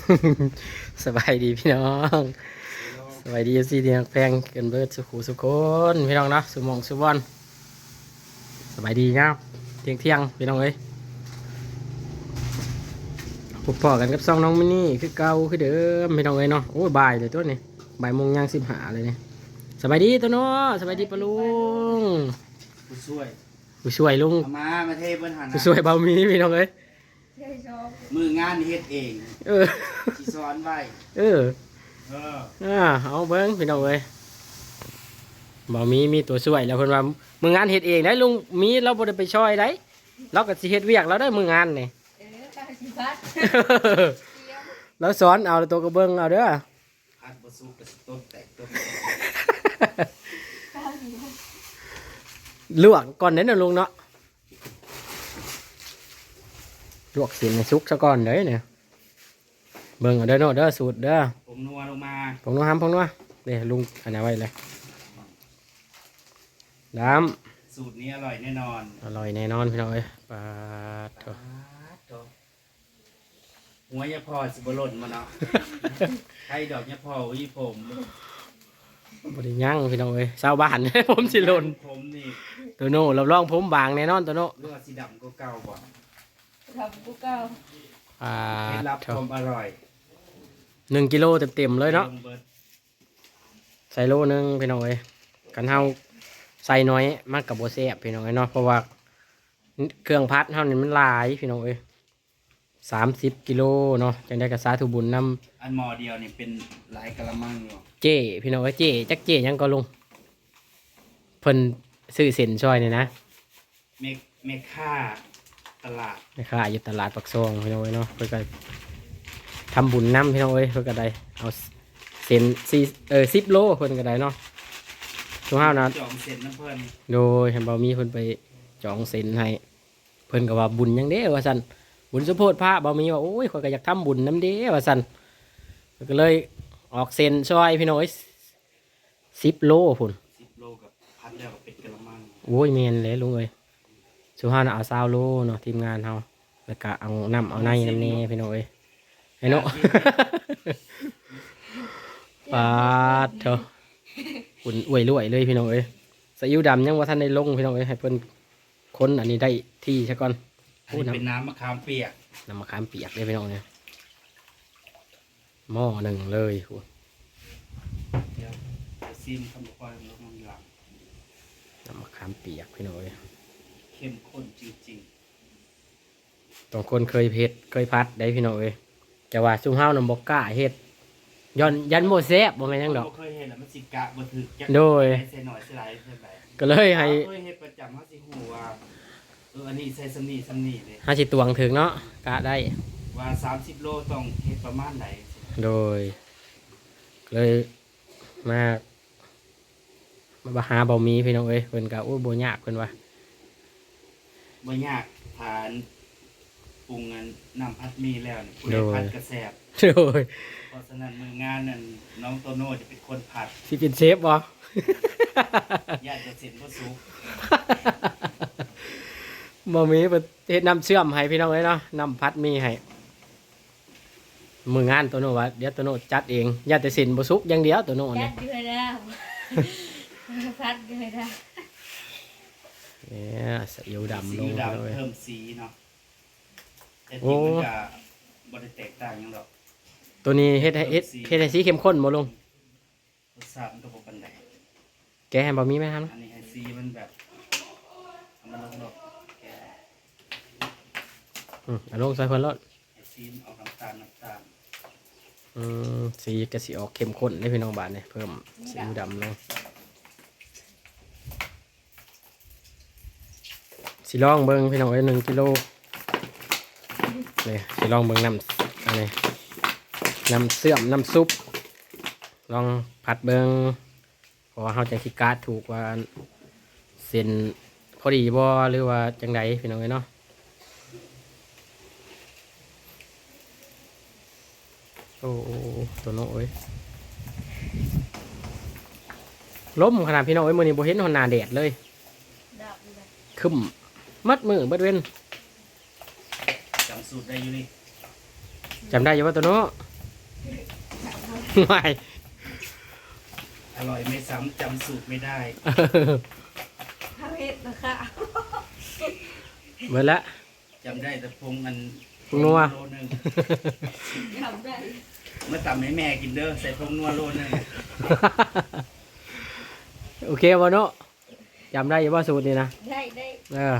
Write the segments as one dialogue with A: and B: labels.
A: สบายดีพี่น้องสบายดีสิเดียงแพงเกินเบิดสุขุสุคนพี่น้องเนาะสุหมองสุบอนสบายดีครับเที่ยงพี่น้องเอ้ยพบพอกันกับซองน้องมินี่คือเก่าคือเดิมพี่น้องเอ้ยเนาะโอ้ยบ่ายเลยตัวนี้บ่ายโมงย่าง15เลยเนี่ยสบายดีตัวเนาะสบายดีปะลุง
B: ผู้ช่วย
A: ผู้ช่วยลุง
B: เอามาเทเพิ่นหัน
A: ผู้ช่วยเบามีพี่น้องเอ้ย
B: มืองานเฮ็ดเอง
A: เออ
B: สิสอนไว้
A: เออเอาเบิ้งพี่น้องเอ้ยบ่มีตัวช่วยแล้วเพิ่นว่ามืองานเฮ็ดเองได้ลุงมีเราบ่ได้ไปช่วยได้เราก็สิเฮ็ดเวียกเราได้มืองานนี่เราสอนเอาตัวกระเบื้องเอาเด้อ
B: พัดบ่สุกก็สิต้นแตกต้น
A: ลวกก่อนเด้อนะลุงเนาะลวกสินให้สุกซะก่อนเด้อเนี่ยเบิ่งเอาเด้อเนาะเด้อสูตรเด้อ
B: ผมนัวลงมา
A: ผงนัวผงนัวเด้ลุงอันนี้ไว้เลยน้
B: สูตรนี้อร่อยแน่นอน
A: ำอร่อยแน่นอนพี่น้องเอ้ยปลาโถ
B: หัวยาพอสิบ่หล่นมาเนาะใครดอกยาพอวิผม
A: บริยั่งพี่น้องเอ้ยชาวบ้าน ผมสิหล่น
B: ผมนี่
A: ตัวโน่รับรองผมบางแน่นอนตัวโน่
B: เลือดสีดำก็เก่าบ่
C: ทำกูเก่า
B: เคล็ดลับความอร่อย
A: 1 กิโลเต็มเลยเนาะใส่โลนึงพี่น้องเอ้ยกันเฮาใส่น้อยมากกับโบแซ่บพี่น้องเอ้ยเนาะเพราะว่าเครื่องพัดเฮานี่มันหลายพี่น้องเอ้ย30 กิโลเนาะจังได้กระสาธุบุญน
B: ำอันหมอเดียวนี่เป็นหลายกะละมังอยู่
A: เจ้พี่น้องเอ้ยเจ้จักเจ้ยังก็ลุงเพิ่นซื้อเส้นซอยนี่นะ
B: เมค่าตลาด
A: แม่ค้าอยู่ตลาดปักซองพี่น้องเอ้ยเนาะเพิ่นก็ทำบุญนำพี่น้องเอ้ยเพิ่นก็ได้เอาเส้น10 โลเพิ่นก็ได้เนาะทุกห้านะ
B: จองเส้นน้ำเพิ่น
A: โดยเห็นบ่มีเพิ่นไปจองเส้นให้เพิ่นก็ว่าบุญยังเด้ว่าซั่นบุญสุโพธิพระบ่มีว่าโอ้ยข้อยก็อยากทำบุญนำเด้ว่าซั่นก็เลยออกเส้นซอยพี่น้องเอ้ย10 โลพุ่น
B: 10 โลกับพัดแล้วก็เป็นกะละมัง
A: โอ้ยแม่นเลยลุงเอ้ยสุห้าน่ะเอา20 โลเนาะทีมงานเฮาแล้วก็เอาน้ำเอาในน้ำแน่พี่น้องเอ้ยให้เนาะปาดเถอะอุ่นอวยรวยเลยพี่น้องเอ้ยซีอิ๊วดำยังว่าท่านได้ลงพี่น้องเอ้ยให้เพิ่นค้นอันนี้ได้ที่ซะก่อน
B: เป็นน้ำมะขามเปียก
A: น้ำมะขามเปียกเลยพี่น้องเนี่ยหม้อหนึ่งเลย
B: เดี๋ยวซิมคำบอกว่าลงหลัง
A: น้ำมะขามเปียกพี่น้องเอ้ย
B: เข้มข้นจริง
A: ๆต้องคนเคยเฮ็ดเคยพัดได้พี่น้องเอ้ยจะว่าซุ่มเฮานำบ่กล้าเฮ็ดยันโมแซ่บบ่แม่นยังดอก
B: เคยเห็นแล้วมันสิกะบ่ถึก
A: โดย
B: ใส่หน่อยใส่หลายใส่หลาย
A: ก็เลยให้
B: เคยเฮ็ดประจำเฮาสิฮู้ว่าอันนี้ใส่สำนี่เลย
A: ห้าสิตวงถึงเนาะกะได้
B: ว่า30 โลต้องเฮ็ดประมาณไหน
A: โดยเลยมาหาบ่มีพี่น้องเอ้ยเพิ่นก็โอ้บ่ยากเพิ่นว่า
B: บ่ยากทานปรุงน้ำพัดมีแล้วนี่ผู้ใดพัดกระแสบ
A: โดย
B: เพราะฉะนั้นมืองานนั่นน้องโตโน่จะเป็นคนผัด
A: สิเป็นเชฟบ่
B: ญาติจะเสร็จบ่สุก
A: บ่มีเฮ็ดน้ำเชื่อมให้พี่น้องเอ้ยเนาะน้ำพัดมีให้มืองานโตโน่ว่าเดี๋ยวโตโน่จัดเองญาติสินบ่สุกอย่างเดียวโตโน่นี่
C: จัดอยู่แล้วพัดอยู่แล้ว
A: เนี่ยซีอิ๊วดำลง
B: เลยเพิ่มสีเนาะแต่จริงมันก็บ่ได้แตกต่างหยังดอก
A: ตัวนี้เฮ็ดให้สีเข้มข้นบ่ลง
B: รสชาติมันก็บ่ปานใด
A: แกให้บ่มีไหมครับ
B: อันนี้ให้สีมันแบบมันลงดอกแก
A: เอาลงใส่เพิ่นรส
B: ให้สีออกน้ำตาล
A: สีก็สิออกเข้มข้นได้พี่น้องบาดนี่เพิ่มซีอิ๊วดำลงสิลองเบิ่งพี่น้องเอ้ย1 กิโลนี่สิลองเบิ่งน้ำอันนี้น้ำเสื่อมน้ำซุปลองผัดเบิ่งเพราะว่าเฮาจังสิกาดถูกว่าเส้นพอดีบ่หรือว่าจังไดพี่น้องเอ้ยเนาะโอ้ตัวน้อยล้มขนาดพี่น้องเอ้ยมื้อนี้บ่เห็นหน้าแดดเลยคึมมัดมือเบิดเว้น
B: จำสูตรได้อยู่นี่
A: จำได้อยู่ว่าตัวน้อยไม่
B: อร่อยไม่ซ้ำจำสูตรไม่ได้
C: ทำเห็ดนะคะ
A: เหมือนละ
B: จำได้แต่พงมัน
A: พงนัว
B: โลนึง
C: ทำได้
B: เมื่อตำให้แม่กินเด้อใส่พงนัวโลนึง
A: โอเคบ่เนาะจำได้อยู่ว่าสูตรนี่นะ
C: ได้ได้
A: เออ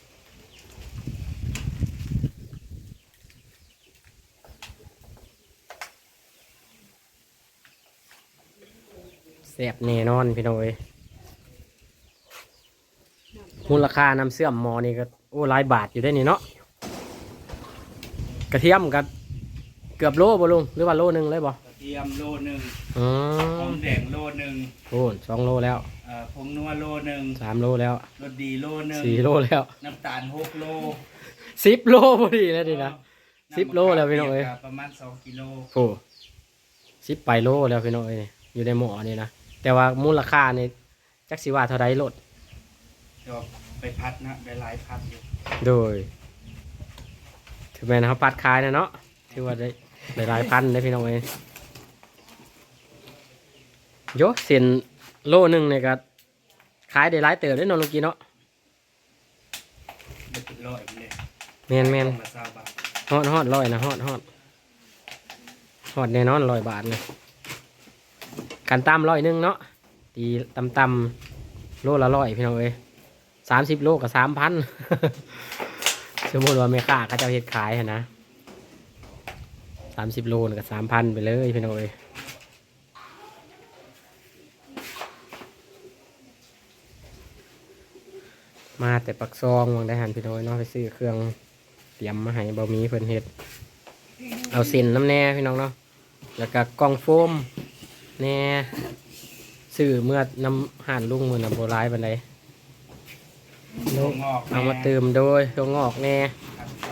A: แซ่บแน่นอนพี่น้อยมูลค่าน้ำเสื่อมหมอนี่ก็โอ้หลายบาทอยู่ได้นี่เนาะกระเทียมกับเกือบโลบ่ลุงหรือว่าโลนึงเลยบ่
B: กระเทียมโลนึง
A: อ๋
B: หอ
A: อ
B: มแดงโลนึง
A: โอ้2 โลแล้ว
B: พงนัวโลนึง
A: 3 โลแล้ว
B: รสดีโลนึง
A: 4 โลแล้ว
B: น้ำตาล6 โล
A: 10 โลพอดีแล้วดินะ 10 โลแล้วพี่น้องเอ้ย
B: ประมาณ2 กิโล
A: โอ้10 ไปโลแล้วพี่น้องเอ้ยนี่อยู่ในหม้อนี่นะแต่ว่ามูลค่านี่จักสิว่าเท่าใดโลด
B: เดี๋ยวไปพัดนะได้หลายพัดอยู่
A: โดยถือแม่นเขาปัดขายนะเนาะถือว่าได้หลายพันได้พี่น้องเอ้ยโยเส้นโลนึงเนี่ยก็ขายได้หลายเติบได้เนอนลูกกี้เนาะ
B: ได้เป็นร้อยไปเลย
A: แม่น
B: ต้องละ20 บาท
A: ฮอดร้อยนะฮอดแน่นอน100 บาทเลยกันตำ100เนาะตีตำโลละ100พี่น้องเอ้ย30 โลกับ3,000 สมมติว่าแม่ค้าเขาจะเอาเฮ็ดขายหั่นนะ30 โลนี่ก็3,000ไปเลยพี่น้องเอ้ยมาแต่ปักซองวางได้หันพี่น้อยเนาะไปซื้อเครื่องเตรียมมาให้บะหมี่เพิ่นเฮ็ดเอาเส้นน้ำแน่พี่น้องเนาะแล้วก็กล่องโฟมแน่ซื้อเมื่อน้ำห่านลุงมือน่ะโบราณบันได
B: ถั่วงอก
A: เอามาเติมโดยถั่วงอกแน่
B: พัดใส่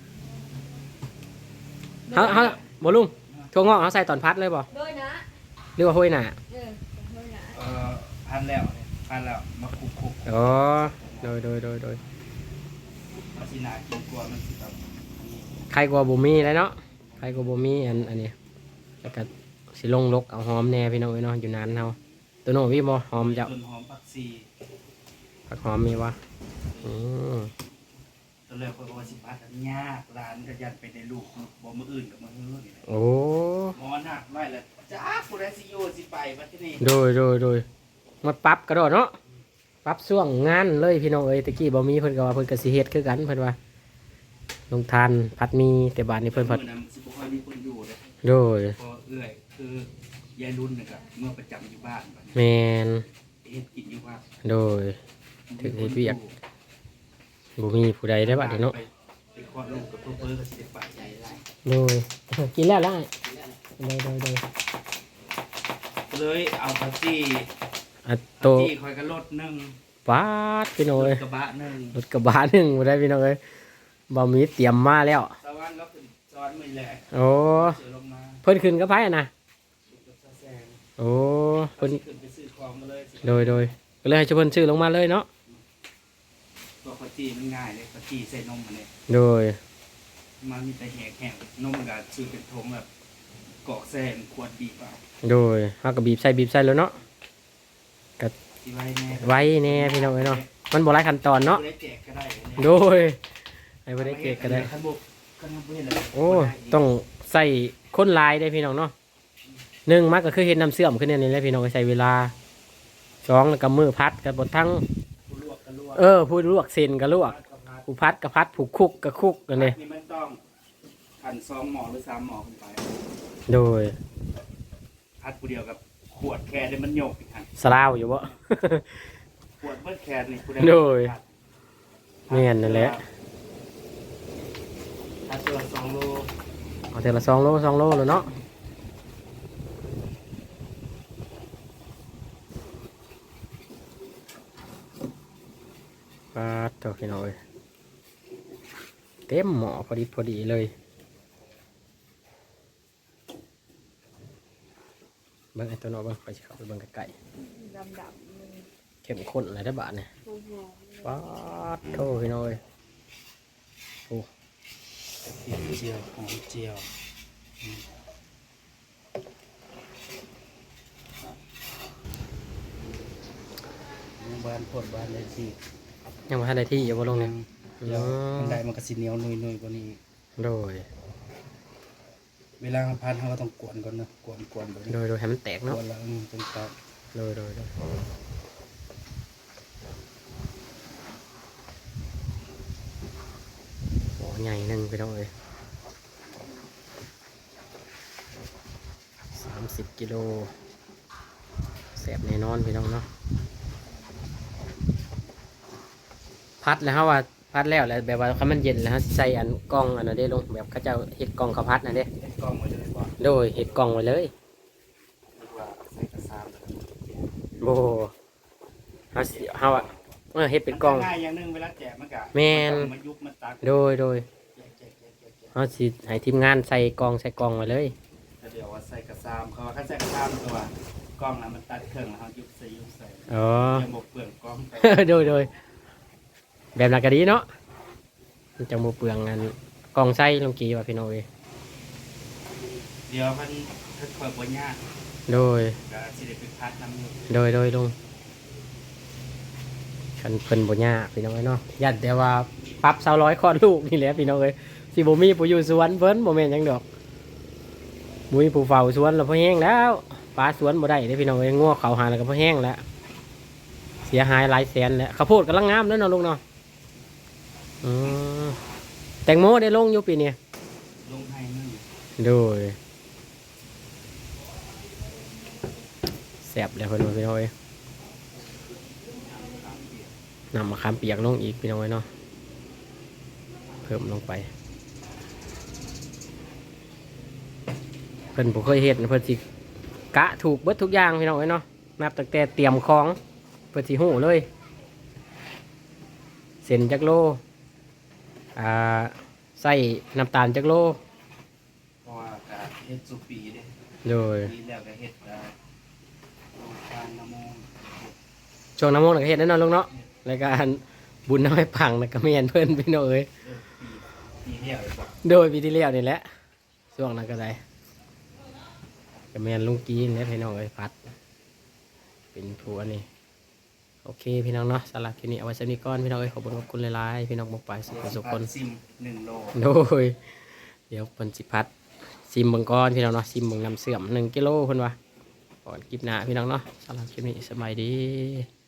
A: เฮาบ่ลุงถั่วงอกเขาใส่ตอนพัดเลยบ่
C: โดยนะ
A: หรือว่าห้อยหน้า
C: โดยนะ
B: พัดแล้วเนี่ยพัดแล้วมาคลุก
A: อ๋อโดย
B: ๆมาสินากินกลัวมันสิแบบนี้
A: ใครกลัวบ่มีแล้วเนาะใครกลัวบ่มีอันนี้แล้วก็สิลงลกเอาหอมแน่พี่น้องเอ้ยเนาะอยู่นานเฮาตัวโน้มีบ่หอมจะ
B: ต้นหอมผักชี
A: ผักหอมมีบ่อืม
B: ตอนแรกคนบอกว่าสิพัดอันยากร้านก็ยันไปในลูกบ่มืออื่นกับมือเฮือนี่แหละ
A: โอ้
B: หมอหนักไว้แล้วจ้าผู้ใดสิอยู่สิไปบัดที่นี่
A: โดยมาปรับกระโดดเนาะปรับช่วงงานเลยพี่น้องเอ้ยตะกี้บ่มีเพิ่นก็ว่าเพิ่นก็สิเฮ็ดคือกันเพิ่นว่าลงทานผัดมีแต่บาดนี้เพิ่นผัด
B: มื้อนั้นสิบ่ค่อยมีคนอยู่เด้อ
A: โดย
B: พอเอื้อยคือยายรุ่นนี่ก็เมื่อประจำอยู่บ้านบัดนี้
A: แมน
B: เฮ็ดกินอยู่ว่า
A: โดย ถึงเฮ็ดเวียก บ่มีผู้ใดได้บัดนี้เนาะ
B: ไปคลอดลูกกับเพิ่นก็สิได้ปะใจหลาย
A: โดยกินแล้วได้โดย
B: เลยเอาผักชี
A: อ่ะ
B: ผั
A: โต
B: กชีคอยก็ลดหนึง
A: ปาดพี่น้อง
B: ร
A: เอ้
B: ถ
A: ย
B: กระบะหนึง
A: รถกระบะหนึงบ่ได้พี่น้องเอ้ยบ่มีเตรียมมาแล้ว
B: สวรรค์แล้วขึ้นซ้อนมือแหละ
A: โอ้
B: เสือลงมา
A: เพิ่นขึ้นกับไผอะนะ
B: สุกกับซาแซง
A: โอ้
B: เพิ่
A: เพิ่
B: น
A: น
B: ขึ้นไปซื้อของมาเลยสิ
A: โดยก็เลยให้ชุเพิ่นซื้อลงมาเลยเนาะ
B: ตัวข้าวจีมันง่ายเลยข้าวจีใส่นมมาเนี่ย
A: โดย
B: มันมีแต่แหกแห้งนมก็ซื้อเป็นทงแบบกอกแซงขวดบีบเอา
A: โดยเฮาก็บีบใส่แล้วเนาะ
B: สิไว้แน่
A: ไว้แน่พี่น้องเอ้ยเนาะมันบ่หลายขั้นตอนเนาะ
B: บ่ได้แจกก็ได้เนี่ย
A: โดยให้บ่ได้เกะก็ได้
B: ขันบุกขันบุกเห็นเลย
A: โอ้ต้องใส่คนหลายได้พี่น้องเนาะหนึ่งมันก็คือเฮ็ดน้ำเสื่อมขึ้นเนี่ยนี่แหละพี่น้องใส่เวลาสองแล้วก็มือพัดกับบดทั้ง
B: ผู้ลวกก็ลวก
A: ผู้ลวกเส้นก็ลวกผู้พัดก็พัดผู้คุกก็คุกกันเลย
B: นี่มันต้องขัน2 หม้อหรือ3 หม้อขึ้นไป
A: โดย
B: พัดผู้เดียวกับขวดแค่ได้มันโยกอีกหัน
A: สลาวอยู่บ่
B: ขวดเบิดแค่นี่ผู้ใด
A: โดย แม่นนั่นแหละ
B: ถ้าตัว2 โล
A: เอาแต่ละ2 โลเลยเนาะปาดตัวพี่น้องเอ้ยเต็มหม้อพอดีเลยเบิ่งไอ้ตัวเนาะเบิ่งไปสิเข้าไปเบิ่งใกล้ๆ
C: ดำมัน
A: เข้มข้นอะไรได้บาทเนี่ย
C: หอม
A: ป๊าดโทพี่น้อยโอ้
B: เจียวหอมเจียวบ้านโพดบ้านเลยสิ
A: ยังบ่ทันได้ที่อยู่บ่ลงเนี่ย
B: เดี๋ยวมันได้มันก็สิเหนียวนุ่ยๆกว่านี้
A: โดย
B: เวลาเราพันเราก็ต้องกวนก่อนนะกวนแบบนี้
A: โดยให้มันแตก
B: ก
A: เนาะ
B: วนแล้วตรงกลาง
A: โดยโอ้ใหญ่หนึงพี่น้องเอ้ย30 กิโลแสบแน่นอนพี่น้องเนาะพัดแล้วฮะว่าพัดแล้วแบบว่าคันมันเย็นแล้วฮะใส่อันกล้องอันนั้นได้ลงแบบเขาเจ้าเฮ็ดกล้องเขาวพัดน่ะเด้
B: เฮ็ดกล้องไว้เลยก่อน
A: โดยเฮ็ดกล้องไว้เลย
B: หรือว่าใส่กระซามเลย
A: โบเฮาสิเฮาอะเฮ็ดเป็นกล้อง
B: ง่ายอย่างหนึงเวลาแจกมันก็
A: แม่น
B: มายุบมาตัก
A: โดย
B: แจก
A: เฮาสิให้ทีมงานใส่กล้องไว้เลย
B: แล้วเดี๋ยวว่าใส่กระซามเขาว่าคันใส่กระซามตัวกล้องน่ะมันตัดเครื่องแล้วเฮายุบใส่
A: อ๋อ
B: ยังบ่เปลืองกล้องไป
A: โดยแบบนั้นก็ดีเนาะมันจะบ่เปลืองอันกล้องใส่ลงกี่ว่าพี่น้องเอ้ย
B: เดี๋ยวมันค่อยๆบ่ยาก
A: โดย
B: ก็สิได้ไปพัดน้ำอยู่
A: โดยลงคันเพิ่นบ่ยากพี่น้องเอ้ยเนาะยันแต่ว่าปรับ200คลอดลูกนี่แหละพี่น้องเอ้ยสิบ่มีผู้อยู่สวนเพิ่นบ่แม่นหยังดอกบ่มีผู้เฝ้าสวนแล้วพอแห้งแล้วปลาสวนบ่ได้เด้พี่น้องเอ้ยงัวเขาหาแล้วก็พอแห้งแล้วเสียหายหลายแสนแล้วข้าวโพดกำลังงามแล้วเนาะลูกเนาะอืมแตงโมได้ลงอยู่ปีนี้
B: ลงให้นึง
A: โดยแซ่บเลยเพิ่นว่าพี่น้องเอ้ยนำมะขามเปียกลงอีกพี่น้องเอ้ยเนาะเพิ่มลงไปเพิ่นบ่เคยเฮ็ดนะเพิ่นสิกะถูกเบิดทุกอย่างพี่น้องเอ้ยเนาะนับตั้งแต่เตรียมของเพิ่นสิฮู้เลยเส้นจักโลใส่น้ำตาลจักโล
B: เพราะว่าก็เฮ็ดสุปีเด้
A: โดย
B: ปีแล้วก็เฮ็ดโรงทานน้ำมนต์
A: ช่วงน้ำมนต์ก็เฮ็ดแน่นอนลูกเนาะรายการบุญน้อยพังนะก็แม่นเพิ่นพี่น้องเอ้ย
B: ปีเดียวอีกบ่
A: โดยปีที่แล้วนี่แหละช่วงนั้นก็ได้ก็แม่นลุงกีนแหละพี่น้องเอ้ยพัด เป็นผู้อันนี้โอเคพี่น้องเนาะสำหรับคลิปนี้เอาไว้สักนิดก่อนพี่น้องเอ้ยขอบคุณหลายๆพี่น้องบอกไปสุขคน
B: ซิม1 โล
A: โดยเดี๋ยวเพิ่นสิพัดซิมเบิ่งก่อนพี่น้องเนาะซิมเบิ่งน้ำเสื่อม1 กิโลเพิ่นว่าก่อนคลิปหน้าพี่น้องเนาะสำหรับคลิปนี้สบายดี